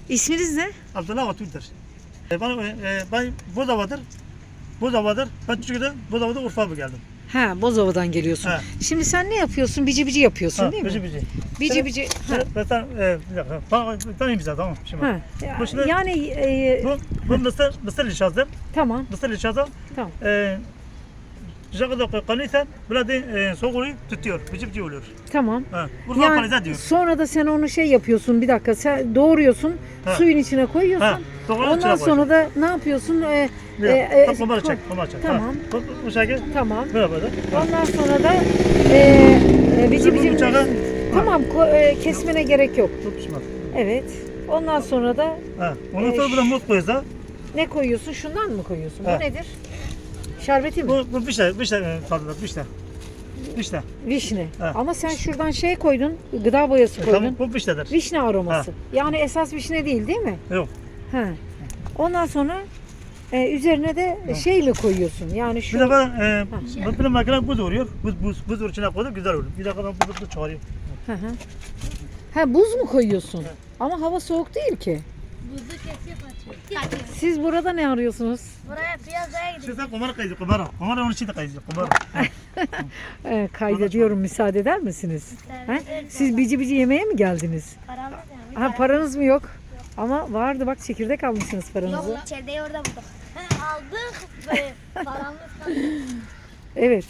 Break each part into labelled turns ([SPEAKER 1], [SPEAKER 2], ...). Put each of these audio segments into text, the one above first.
[SPEAKER 1] İsminiz ne?
[SPEAKER 2] Abdullah Atül'dür. Ben Bozova'dır. Bozova'dır. Ben Türkiye'de Bozova'da Urfa'ya geldim.
[SPEAKER 1] Ha, Bozova'dan geliyorsun.
[SPEAKER 2] Ha.
[SPEAKER 1] Şimdi sen ne yapıyorsun? Bici bici yapıyorsun değil mi?
[SPEAKER 2] Bici bici.
[SPEAKER 1] Bici bici. Ha.
[SPEAKER 2] Bir dakika. Ben imza tamam. Şimdi.
[SPEAKER 1] Ha.
[SPEAKER 2] Bu şimdi-
[SPEAKER 1] Yani
[SPEAKER 2] Bu Mısır ilçası.
[SPEAKER 1] tamam.
[SPEAKER 2] Mısır ilçası.
[SPEAKER 1] Tamam.
[SPEAKER 2] Jacques kanıysan böyle soğuğu tutuyor. Bici bici oluyor.
[SPEAKER 1] Tamam.
[SPEAKER 2] Urfa
[SPEAKER 1] Yani
[SPEAKER 2] panize diyor.
[SPEAKER 1] sonra da sen onu şey yapıyorsun. Bir dakika. Sen doğruyorsun.
[SPEAKER 2] Ha.
[SPEAKER 1] Suyun içine koyuyorsun.
[SPEAKER 2] Ha, doğru,
[SPEAKER 1] Ondan
[SPEAKER 2] içine
[SPEAKER 1] sonra da ne yapıyorsun?
[SPEAKER 2] Kumarı çek. Kumarı çek.
[SPEAKER 1] Tamam.
[SPEAKER 2] Bu şekilde.
[SPEAKER 1] Tamam.
[SPEAKER 2] Böyle.
[SPEAKER 1] Ondan sonra da bici bici. Tamam. Kesmene gerek yok.
[SPEAKER 2] Çok pişman.
[SPEAKER 1] Evet. Ondan sonra da
[SPEAKER 2] Ondan sonra burada muz koyuyorsa
[SPEAKER 1] ne koyuyorsun? Şundan mı koyuyorsun?
[SPEAKER 2] Ha.
[SPEAKER 1] Bu nedir? Şerbeti mi?
[SPEAKER 2] bu bir şey tadıdır bir şey.
[SPEAKER 1] Vişne.
[SPEAKER 2] Ha.
[SPEAKER 1] Ama sen şuradan şey koydun, gıda boyası koydun.
[SPEAKER 2] Tamam bu bir şeydir.
[SPEAKER 1] Vişne aroması. Yani esas vişne değil mi?
[SPEAKER 2] Yok.
[SPEAKER 1] Ha. Ondan sonra üzerine de şey mi koyuyorsun? Yani şu
[SPEAKER 2] Bir de ben bir makine buz vuruyor. Buz içine koyduk güzel olur. Bir dakika ben buzu çıkarayım.
[SPEAKER 1] Hı hı. Ha, buz mu koyuyorsun? Ama hava soğuk değil ki.
[SPEAKER 3] Buzu kesip atıyor.
[SPEAKER 1] Siz burada ne arıyorsunuz?
[SPEAKER 3] Buraya piyazaya gidiyor.
[SPEAKER 2] Sen kumara kaydı kumara. Kumara onun için de kaydı kumara.
[SPEAKER 1] Kaydediyorum, müsaade eder misiniz? Ha? Siz bici bici yemeğe mi geldiniz?
[SPEAKER 3] Paramız yani.
[SPEAKER 1] Ha, paranız mı yok? Ama vardı bak, çekirdek almışsınız paranızı.
[SPEAKER 3] Yok, içerideyi orada bulduk. Aldık ve paramız kaldı.
[SPEAKER 1] Evet.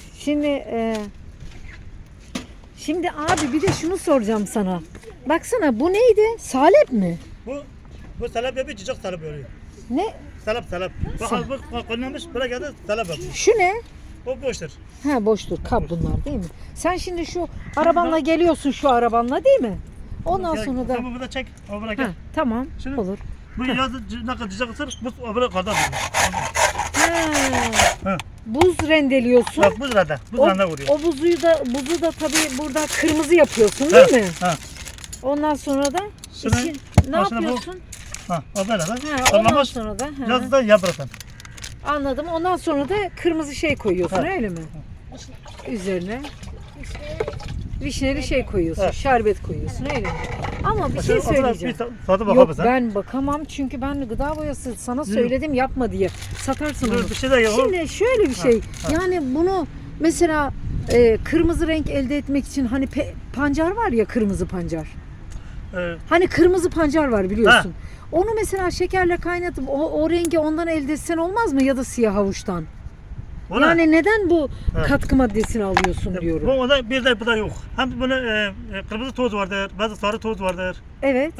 [SPEAKER 1] Şimdi abi bir de şunu soracağım sana. Baksana, bu neydi? Salep mi?
[SPEAKER 2] Bu salep yapıyor, çiçek salep oluyor.
[SPEAKER 1] Ne?
[SPEAKER 2] Salep. Bu koyulmuş, böyle geldi salep yapıyor.
[SPEAKER 1] Şu ne?
[SPEAKER 2] O boştur.
[SPEAKER 1] Ha, boştur. Kap bunlar değil mi? Sen şimdi şu arabanla geliyorsun, şu arabanla değil mi? Ondan sonra da...
[SPEAKER 2] Tamam burada çek. O böyle
[SPEAKER 1] Ha,
[SPEAKER 2] gel.
[SPEAKER 1] tamam.
[SPEAKER 2] Şimdi-
[SPEAKER 1] Olur.
[SPEAKER 2] Bu yazı ne kadar çiçek ısır, bu böyle kadar.
[SPEAKER 1] Ha.
[SPEAKER 2] Ha.
[SPEAKER 1] Buz rendeliyorsun.
[SPEAKER 2] Bak bu sırada. Bu sırada vuruyor.
[SPEAKER 1] O buzu da tabii burada kırmızı yapıyorsun değil mi?
[SPEAKER 2] Ha.
[SPEAKER 1] Ondan sonra da
[SPEAKER 2] Şimdi
[SPEAKER 1] ne
[SPEAKER 2] başına bu-
[SPEAKER 1] yapıyorsun?
[SPEAKER 2] Ha. O böyle.
[SPEAKER 1] Ha, ondan
[SPEAKER 2] Sallamış.
[SPEAKER 1] sonra da
[SPEAKER 2] Yazı da yapratan.
[SPEAKER 1] anladım. Ondan sonra da kırmızı şey koyuyorsun,
[SPEAKER 2] Ha.
[SPEAKER 1] öyle mi? Üzerine vişneli şey koyuyorsun,
[SPEAKER 2] Ha.
[SPEAKER 1] şerbet koyuyorsun, öyle mi? Ama bir şey söyleyeceğim.
[SPEAKER 2] Bir tadı
[SPEAKER 1] Yok,
[SPEAKER 2] bakamazsın.
[SPEAKER 1] ben bakamam çünkü ben gıda boyası sana söyledim yapma diye. Satarsın onu.
[SPEAKER 2] Bir şey de yok.
[SPEAKER 1] Şimdi şöyle bir şey.
[SPEAKER 2] ha.
[SPEAKER 1] Yani bunu mesela kırmızı renk elde etmek için hani pancar var ya, kırmızı pancar. Hani kırmızı pancar var biliyorsun. Onu mesela şekerle kaynatıp o rengi ondan elde etsen olmaz mı, ya da siyah havuçtan? Yani neden bu katkı maddesini alıyorsun diyorum.
[SPEAKER 2] Bu da bir de bu da yok. Hem bunu kırmızı toz vardır, bazı sarı toz vardır.
[SPEAKER 1] Evet.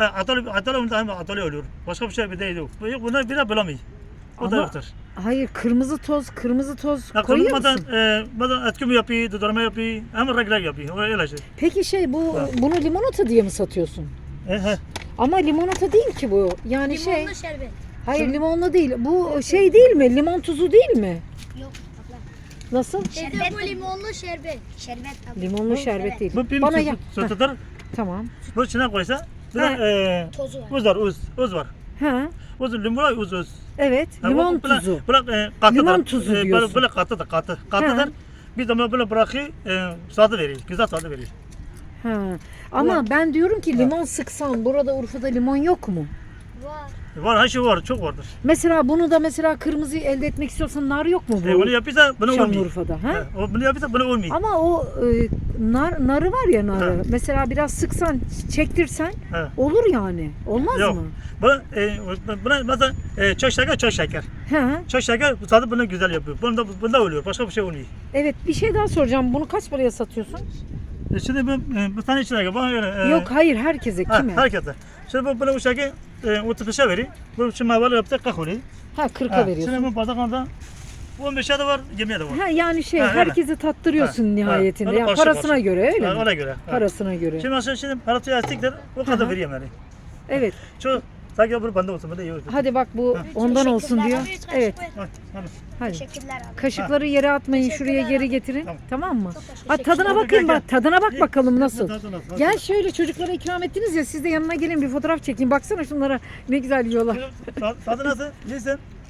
[SPEAKER 2] Atölye oluyor. Başka bir şey bir de yok. Bunlar bir de bulamıyor. O da
[SPEAKER 1] Ama-
[SPEAKER 2] yoktur.
[SPEAKER 1] Hayır, kırmızı toz
[SPEAKER 2] Ya
[SPEAKER 1] koyuyor
[SPEAKER 2] kırmızı
[SPEAKER 1] musun?
[SPEAKER 2] bazen etki yapıyor, dudurma yapıyor, hem regler yapıyor. Öyle şey.
[SPEAKER 1] Peki bunu limonata diye mi satıyorsun?
[SPEAKER 2] He.
[SPEAKER 1] Ama limonata değil ki bu. Yani
[SPEAKER 3] Limonlu şerbet.
[SPEAKER 1] hayır, limonlu değil. Bu şey değil mi? Limon tuzu değil mi?
[SPEAKER 3] Yok abla.
[SPEAKER 1] Nasıl?
[SPEAKER 3] Şerbet bu limonlu şerbet. Şerbet abla.
[SPEAKER 1] Limonlu şerbet değil.
[SPEAKER 2] Bu bir
[SPEAKER 1] Bana ya.
[SPEAKER 2] tutar.
[SPEAKER 1] Tamam.
[SPEAKER 2] Bu içine koysa bir
[SPEAKER 1] Ha.
[SPEAKER 2] de
[SPEAKER 3] Tozu var.
[SPEAKER 2] uz var, uz var.
[SPEAKER 1] Ha.
[SPEAKER 2] Limon uz.
[SPEAKER 1] Evet. Limon tuzu.
[SPEAKER 2] Böyle katıdır.
[SPEAKER 1] Limon tuzu diyorsun.
[SPEAKER 2] Böyle katıdır. Katıdır. Bir zaman böyle bırakıyor, tadı veriyor. Güzel tadı veriyor.
[SPEAKER 1] Ha. Ama ben diyorum ki limon sıksan, burada Urfa'da limon yok mu?
[SPEAKER 3] Var.
[SPEAKER 2] Var, her şey var, çok vardır.
[SPEAKER 1] Mesela bunu da mesela else etmek istiyorsan nar yok mu bu?
[SPEAKER 2] Onu yapıyorsa bunu olmuyor.
[SPEAKER 1] Şanlıurfa'da. Ha?
[SPEAKER 2] Bunu yapıyorsa bunu olmuyor.
[SPEAKER 1] Ama o narı var ya, narı.
[SPEAKER 2] Ha.
[SPEAKER 1] Mesela biraz sıksan, çektirsen
[SPEAKER 2] Ha.
[SPEAKER 1] olur yani. Olmaz
[SPEAKER 2] Yok.
[SPEAKER 1] mı?
[SPEAKER 2] Buna mesela çok şeker.
[SPEAKER 1] Ha.
[SPEAKER 2] Çok şeker, bu tadı bunu güzel yapıyor. Bunda oluyor, başka bir şey olmuyor.
[SPEAKER 1] Evet, bir şey daha soracağım. Bunu kaç paraya satıyorsun?
[SPEAKER 2] Şimdi bu tane içine bana göre...
[SPEAKER 1] Yok, hayır, herkese, kime?
[SPEAKER 2] Herkese. Şimdi bunu bu şekilde 35'e veriyor. Bu şimdi meyveleri yaptık 40 oluyor.
[SPEAKER 1] Ha, 40'a veriyorsun.
[SPEAKER 2] Şimdi bu bardaklarda 15'e de var, 20'ye de var.
[SPEAKER 1] Ha, yani
[SPEAKER 2] Ha, öyle.
[SPEAKER 1] herkese tattırıyorsun
[SPEAKER 2] Ha,
[SPEAKER 1] nihayetinde.
[SPEAKER 2] ha.
[SPEAKER 1] Yani
[SPEAKER 2] Karşı
[SPEAKER 1] parasına
[SPEAKER 2] karşı.
[SPEAKER 1] göre öyle mi?
[SPEAKER 2] Ona göre.
[SPEAKER 1] Parasına göre.
[SPEAKER 2] Şimdi mesela şimdi parası yastıklar o kadar
[SPEAKER 1] Hı.
[SPEAKER 2] veriyorum yani.
[SPEAKER 1] Evet.
[SPEAKER 2] Şu sanki bu bende olsun, bu da iyi olur.
[SPEAKER 1] Hadi bak, bu ondan olsun diyor. Evet.
[SPEAKER 2] Hadi.
[SPEAKER 1] Hadi.
[SPEAKER 3] Teşekkürler abi.
[SPEAKER 1] Kaşıkları yere atmayın, şuraya geri getirin.
[SPEAKER 2] Tamam.
[SPEAKER 1] Tamam mı?
[SPEAKER 3] teşekkür
[SPEAKER 1] Ha, tadına
[SPEAKER 2] ederim.
[SPEAKER 1] bakın
[SPEAKER 2] Gel,
[SPEAKER 1] bak. Tadına bak bakalım nasıl.
[SPEAKER 2] Tadına, tadına.
[SPEAKER 1] Gel şöyle, çocuklara ikram ettiniz ya, siz de yanına gelin, bir fotoğraf çekin. Baksana şunlara, ne güzel yiyorlar.
[SPEAKER 2] Tadı nasıl? Neyse.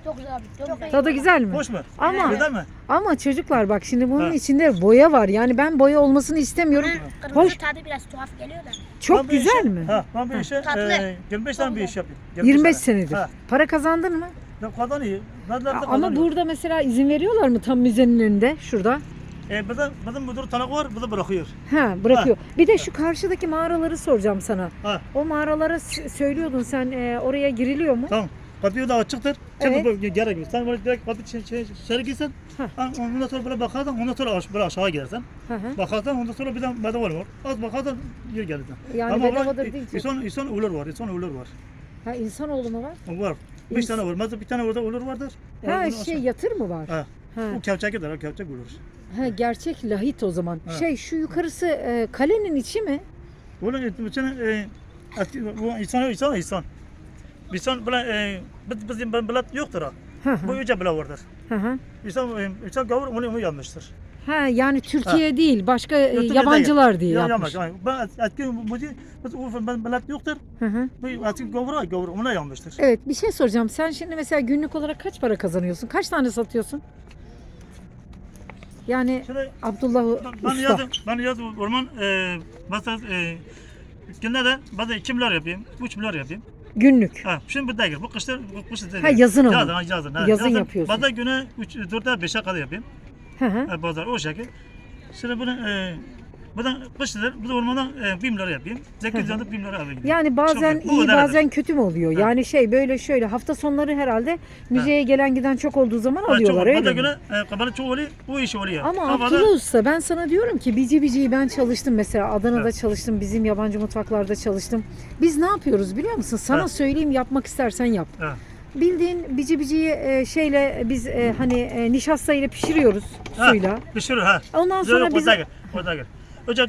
[SPEAKER 3] Çok güzel abi. Çok güzel.
[SPEAKER 1] Tadı güzel mi?
[SPEAKER 2] Hoş mu?
[SPEAKER 1] Ama
[SPEAKER 2] Güzel mi?
[SPEAKER 1] ama çocuklar bak şimdi bunun
[SPEAKER 2] Ha.
[SPEAKER 1] içinde boya var. Yani ben boya olmasını istemiyorum.
[SPEAKER 3] Kırmızı
[SPEAKER 1] Hoş.
[SPEAKER 3] tadı biraz tuhaf geliyor da.
[SPEAKER 1] Çok
[SPEAKER 2] Ben bir
[SPEAKER 1] güzel
[SPEAKER 2] işe-
[SPEAKER 1] mi?
[SPEAKER 2] Ha, ben bir işe
[SPEAKER 3] Tatlı.
[SPEAKER 2] 25 tane bir iş yapıyorum.
[SPEAKER 1] 25
[SPEAKER 2] tane.
[SPEAKER 1] senedir.
[SPEAKER 2] Ha.
[SPEAKER 1] Para kazandın mı?
[SPEAKER 2] Ya kazanıyor. Nerede
[SPEAKER 1] Ama
[SPEAKER 2] kazanıyor?
[SPEAKER 1] burada mesela izin veriyorlar mı tam müzenin önünde şurada?
[SPEAKER 2] Bizim müdür tanık var, bu da bırakıyor.
[SPEAKER 1] Ha bırakıyor. Bir de şu karşıdaki mağaraları soracağım sana.
[SPEAKER 2] Ha.
[SPEAKER 1] O mağaralara söylüyordun sen oraya giriliyor mu?
[SPEAKER 2] Tamam. Kapıyı da açıktır.
[SPEAKER 1] Evet.
[SPEAKER 2] Şimdi gerek yok. Sen böyle direkt kapı içeri girsen,
[SPEAKER 1] Ha.
[SPEAKER 2] ondan sonra böyle bakarsan, ondan sonra böyle aşağı girersen.
[SPEAKER 1] Hı hı.
[SPEAKER 2] Bakarsan ondan sonra bir de bedava var. Az bakarsan geri gelirsin.
[SPEAKER 1] Yani
[SPEAKER 2] Ama
[SPEAKER 1] bedavadır
[SPEAKER 2] var,
[SPEAKER 1] değil ki.
[SPEAKER 2] insan ölür var, insan ölür var.
[SPEAKER 1] Ha insanoğlu mu var?
[SPEAKER 2] Var. 5 tane var. Mesela bir tane orada ölür vardır.
[SPEAKER 1] Ha
[SPEAKER 2] Onu
[SPEAKER 1] şey
[SPEAKER 2] aşağı-
[SPEAKER 1] yatır mı var?
[SPEAKER 2] Ha.
[SPEAKER 1] Ha.
[SPEAKER 2] O kevçekidir, o kevçek ölür.
[SPEAKER 1] Ha gerçek lahit o zaman.
[SPEAKER 2] Ha.
[SPEAKER 1] Şey şu yukarısı kalenin içi mi?
[SPEAKER 2] Onun için bu insan. İnsan böyle bizim bilet yoktur ha.
[SPEAKER 1] Hı hı.
[SPEAKER 2] Bu yüce bile vardır.
[SPEAKER 1] Hı hı.
[SPEAKER 2] İnsan gavur onu yanmıştır.
[SPEAKER 1] Ha yani Türkiye değil başka
[SPEAKER 2] Türkiye
[SPEAKER 1] yabancılar diye
[SPEAKER 2] Ya
[SPEAKER 1] yapmış.
[SPEAKER 2] yanmış. Ben etki ben bilet yoktur.
[SPEAKER 1] Hı hı.
[SPEAKER 2] Bu etki gavur ona yanmıştır.
[SPEAKER 1] Evet bir şey soracağım. Sen şimdi mesela günlük olarak kaç para kazanıyorsun? Kaç tane satıyorsun? Yani
[SPEAKER 2] Şimdi
[SPEAKER 1] Abdullah Usta.
[SPEAKER 2] ben yazın orman mesela günlerde bazen 2 milyar yapayım, 3 milyar yapayım.
[SPEAKER 1] Günlük.
[SPEAKER 2] Ha, şimdi bu değil. Bu kışta değil.
[SPEAKER 1] Ha, yazın ama.
[SPEAKER 2] Yazın. Ha,
[SPEAKER 1] Yazın yapıyorsun.
[SPEAKER 2] Bazen güne 4'e 5'e kadar yapayım.
[SPEAKER 1] Hı hı.
[SPEAKER 2] Pazar o şekil. Şimdi bunu buradan kışlar, bu da ormandan 1 milyar yapayım. 800 yanında 1 milyar alayım.
[SPEAKER 1] Yani bazen
[SPEAKER 2] Çok- bu
[SPEAKER 1] iyi
[SPEAKER 2] kadar
[SPEAKER 1] bazen kötü mü oluyor?
[SPEAKER 2] Ha.
[SPEAKER 1] Yani şey böyle şöyle hafta sonları herhalde müzeye gelen giden çok olduğu zaman alıyorlar
[SPEAKER 2] Bazen
[SPEAKER 1] öyle mi?
[SPEAKER 2] güne kabalı çok oluyor, bu iş oluyor.
[SPEAKER 1] Ama
[SPEAKER 2] Havada-
[SPEAKER 1] Abdullah Usta ben sana diyorum ki bici biciyi ben çalıştım mesela Adana'da
[SPEAKER 2] Evet.
[SPEAKER 1] çalıştım bizim yabancı mutfaklarda çalıştım. Biz ne yapıyoruz biliyor musun? Sana
[SPEAKER 2] Evet.
[SPEAKER 1] söyleyeyim yapmak istersen yap.
[SPEAKER 2] Ha,
[SPEAKER 1] Bildiğin bici biciyi şeyle biz hani nişasta ile pişiriyoruz
[SPEAKER 2] ha,
[SPEAKER 1] suyla.
[SPEAKER 2] pişirir ha.
[SPEAKER 1] Ondan sonra biz
[SPEAKER 2] O da gel. Önce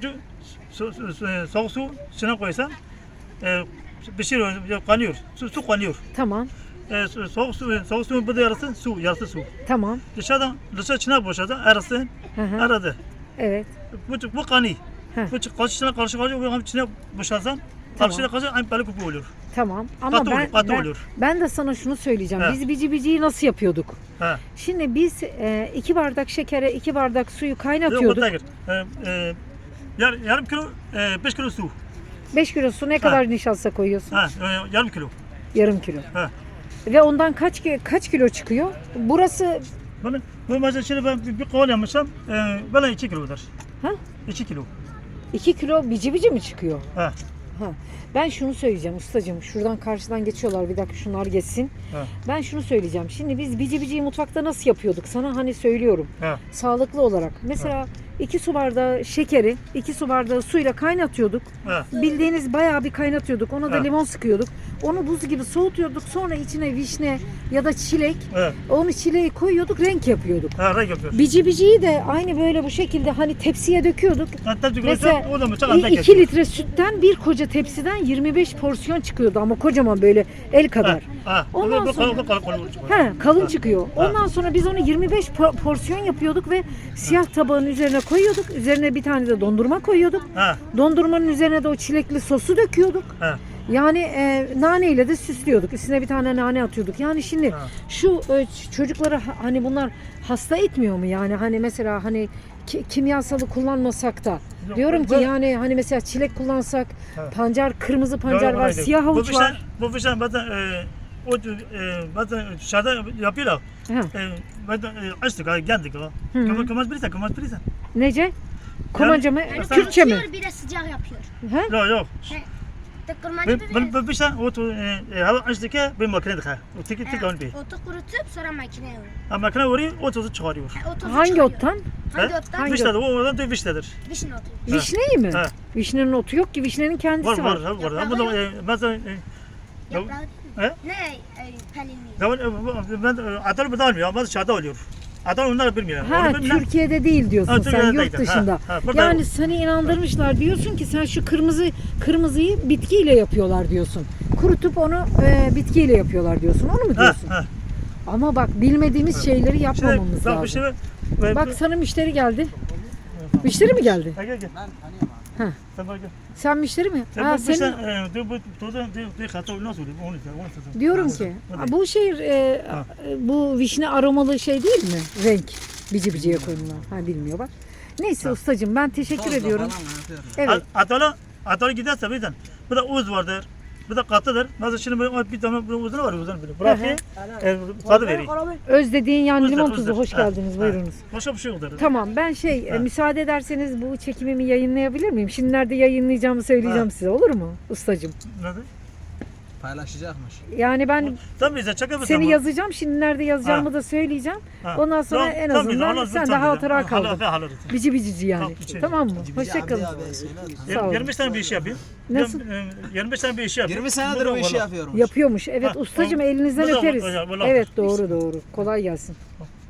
[SPEAKER 2] soğuk su içine koysan pişiriyor, kaynıyor. Su kaynıyor.
[SPEAKER 1] tamam
[SPEAKER 2] Soğuk su bu da yarısı su.
[SPEAKER 1] tamam.
[SPEAKER 2] Dışarı içine boşaldı, arası,
[SPEAKER 1] Hı hı.
[SPEAKER 2] aradı.
[SPEAKER 1] Evet.
[SPEAKER 2] Bu kanı.
[SPEAKER 1] Heh.
[SPEAKER 2] Bu karşısına karşı içine boşalsan,
[SPEAKER 1] Tamam.
[SPEAKER 2] karşıya karşı aynı balık kupu olur.
[SPEAKER 1] Tamam ama
[SPEAKER 2] Katı olur.
[SPEAKER 1] ben de sana şunu söyleyeceğim.
[SPEAKER 2] Ha.
[SPEAKER 1] Biz bici biciyi nasıl yapıyorduk?
[SPEAKER 2] Ha.
[SPEAKER 1] Şimdi biz 2 bardak şekere 2 bardak suyu
[SPEAKER 2] Yok, o
[SPEAKER 1] kaynatıyorduk.
[SPEAKER 2] da gir. Yarım kilo, 5 kilo su.
[SPEAKER 1] 5 kilo su ne kadar nişasta koyuyorsun?
[SPEAKER 2] Ha, yarım kilo.
[SPEAKER 1] Yarım kilo.
[SPEAKER 2] Ha.
[SPEAKER 1] Ve ondan kaç kilo çıkıyor? Burası
[SPEAKER 2] Bu mesela şimdi ben bir kovan yapmışsam, böyle 2 kilodur.
[SPEAKER 1] Ha?
[SPEAKER 2] 2 kilo.
[SPEAKER 1] 2 kilo bici bici mi çıkıyor?
[SPEAKER 2] Ha.
[SPEAKER 1] Ha. Ben şunu söyleyeceğim ustacığım. Şuradan karşıdan geçiyorlar. Bir dakika şunlar geçsin.
[SPEAKER 2] Ha.
[SPEAKER 1] Ben şunu söyleyeceğim. Şimdi biz bici biciyi mutfakta nasıl yapıyorduk? Sana hani söylüyorum.
[SPEAKER 2] Ha.
[SPEAKER 1] Sağlıklı olarak. Mesela 2 su bardağı şekeri 2 su bardağı suyla kaynatıyorduk.
[SPEAKER 2] Ha.
[SPEAKER 1] Bildiğiniz bayağı bir kaynatıyorduk. Ona da
[SPEAKER 2] Ha.
[SPEAKER 1] limon sıkıyorduk. Onu buz gibi soğutuyorduk. Sonra içine vişne ya da çilek.
[SPEAKER 2] Ha.
[SPEAKER 1] Onu çileği koyuyorduk. Renk yapıyorduk.
[SPEAKER 2] Ha, renk yapıyor.
[SPEAKER 1] Bici biciyi de aynı böyle bu şekilde hani tepsiye döküyorduk.
[SPEAKER 2] Hatta
[SPEAKER 1] Mesela
[SPEAKER 2] o da mesela andak
[SPEAKER 1] 2 litre sütten bir koca tepsiden 25 porsiyon çıkıyordu ama kocaman böyle el kadar.
[SPEAKER 2] Ha.
[SPEAKER 1] Ondan
[SPEAKER 2] Bu
[SPEAKER 1] sonra-
[SPEAKER 2] kalın.
[SPEAKER 1] He, kalın çıkıyor. Ondan sonra biz onu 25 porsiyon yapıyorduk ve siyah tabağın üzerine koyuyorduk. Üzerine bir tane de dondurma koyuyorduk.
[SPEAKER 2] Ha.
[SPEAKER 1] Dondurmanın üzerine de o çilekli sosu döküyorduk.
[SPEAKER 2] Ha.
[SPEAKER 1] Yani naneyle de süslüyorduk. Üstüne bir tane nane atıyorduk. Yani şimdi
[SPEAKER 2] Ha.
[SPEAKER 1] şu çocukları hani bunlar hasta etmiyor mu? Yani hani mesela hani kimyasalı kullanmasak da
[SPEAKER 2] Yok,
[SPEAKER 1] diyorum ki
[SPEAKER 2] bu-
[SPEAKER 1] yani hani mesela çilek kullansak
[SPEAKER 2] Ha.
[SPEAKER 1] pancar, kırmızı pancar var, siyah havuç var.
[SPEAKER 2] Bu fişen bazen bazen dışarıda yapıyorlar.
[SPEAKER 1] Ha.
[SPEAKER 2] Bazen açtık, geldik.
[SPEAKER 1] Hı.
[SPEAKER 2] Kımaz birisi.
[SPEAKER 1] Nece? Komanca mı?
[SPEAKER 2] Yani-
[SPEAKER 1] Kürtçe mi?
[SPEAKER 3] Kurutuyor, bir de sıcak yapıyor.
[SPEAKER 1] Ha?
[SPEAKER 2] Yok.
[SPEAKER 3] Tıkırmacı da
[SPEAKER 2] Bu fişen hava açtık ya bir makine dıkar. Tek onu bir.
[SPEAKER 3] otu kurutup sonra makineye vuruyor.
[SPEAKER 2] Ha, makine vuruyor, o tozu çıkarıyor.
[SPEAKER 3] Otu
[SPEAKER 1] Hangi
[SPEAKER 3] çıkarıyor.
[SPEAKER 1] ottan?
[SPEAKER 3] Hangi
[SPEAKER 2] He?
[SPEAKER 3] ottan?
[SPEAKER 1] Hangi
[SPEAKER 2] Vişnedir, o oradan da vişnedir.
[SPEAKER 3] Vişne otu.
[SPEAKER 2] Ha.
[SPEAKER 1] Vişneyi mi?
[SPEAKER 2] Ha.
[SPEAKER 1] Vişnenin otu yok ki. Vişnenin kendisi var.
[SPEAKER 2] Var. Ama da mesela
[SPEAKER 3] Yaprağı
[SPEAKER 2] He?
[SPEAKER 3] ne? Pelinli.
[SPEAKER 2] ben Adal bu da almıyor ama dışarıda oluyor. Adal onlar bilmiyor.
[SPEAKER 1] Ha,
[SPEAKER 2] Onu bilmem.
[SPEAKER 1] Türkiye'de değil diyorsun
[SPEAKER 2] Ha,
[SPEAKER 1] sen,
[SPEAKER 2] Türkiye'de
[SPEAKER 1] yurt
[SPEAKER 2] değil.
[SPEAKER 1] dışında.
[SPEAKER 2] Ha, burada
[SPEAKER 1] Yani
[SPEAKER 2] yok.
[SPEAKER 1] seni inandırmışlar diyorsun ki sen şu kırmızıyı bitkiyle yapıyorlar diyorsun. Kurutup onu bitkiyle yapıyorlar diyorsun. Onu mu diyorsun?
[SPEAKER 2] Ha.
[SPEAKER 1] Ama bak bilmediğimiz şeyleri yapmamamız
[SPEAKER 2] Bak bir
[SPEAKER 1] lazım.
[SPEAKER 2] şey
[SPEAKER 1] Bak sana müşteri geldi. Müşteri mi geldi?
[SPEAKER 2] Gel.
[SPEAKER 1] Ha.
[SPEAKER 2] Sen bak gel.
[SPEAKER 1] Sen müşteri mi?
[SPEAKER 2] Sen
[SPEAKER 1] Ha,
[SPEAKER 2] bu
[SPEAKER 1] senin...
[SPEAKER 2] sen bu hata nasıl oluyor? Onu söyle.
[SPEAKER 1] Diyorum ki bu şey bu vişne aromalı şey değil mi? Renk. Bici biciye koyulan. Ha bilmiyor bak. Neyse ustacığım ben teşekkür ediyorum. Evet.
[SPEAKER 2] Atalı giderse birden. Bir de uz vardır. Bir de katıdır. Nasıl şimdi böyle bir tane uzun var uzun böyle. Bırakıyor. Tadı veriyor.
[SPEAKER 1] Öz dediğin yani
[SPEAKER 2] Özler,
[SPEAKER 1] limon
[SPEAKER 2] özler.
[SPEAKER 1] tuzu. Hoş
[SPEAKER 2] Ha,
[SPEAKER 1] geldiniz.
[SPEAKER 2] ha.
[SPEAKER 1] Buyurunuz.
[SPEAKER 2] Başka bir şey yoktur.
[SPEAKER 1] Tamam ben müsaade ederseniz bu çekimimi yayınlayabilir miyim? Şimdi nerede yayınlayacağımı söyleyeceğim
[SPEAKER 2] Ha.
[SPEAKER 1] size olur mu ustacığım?
[SPEAKER 2] Nasıl?
[SPEAKER 4] Paylaşacakmış.
[SPEAKER 1] Yani ben
[SPEAKER 2] Sen bize çekebilirsin.
[SPEAKER 1] seni
[SPEAKER 2] bu.
[SPEAKER 1] yazacağım. Şimdi nerede yazacağımı
[SPEAKER 2] Ha.
[SPEAKER 1] da söyleyeceğim.
[SPEAKER 2] Ha.
[SPEAKER 1] Ondan sonra
[SPEAKER 2] Tamam,
[SPEAKER 1] en
[SPEAKER 2] tamam,
[SPEAKER 1] azından
[SPEAKER 2] Allah
[SPEAKER 1] sen de
[SPEAKER 2] lütfen
[SPEAKER 1] hatıra
[SPEAKER 2] bize.
[SPEAKER 1] kaldın.
[SPEAKER 2] Allah
[SPEAKER 1] Bici bicici yani.
[SPEAKER 2] Tamam, içeri.
[SPEAKER 1] Tamam mı? Hoşçakalın. Sağ olun.
[SPEAKER 2] 25 tane bir iş yapayım.
[SPEAKER 1] Nasıl?
[SPEAKER 2] 25 tane bir iş yapayım.
[SPEAKER 4] 20 senedir bu işi yapıyorum.
[SPEAKER 1] Yapıyormuş. Evet
[SPEAKER 2] Ha,
[SPEAKER 1] ustacığım
[SPEAKER 2] tamam.
[SPEAKER 1] elinizden
[SPEAKER 2] Bu da-
[SPEAKER 1] öperiz.
[SPEAKER 2] vallahi-
[SPEAKER 1] Evet doğru. Kolay gelsin.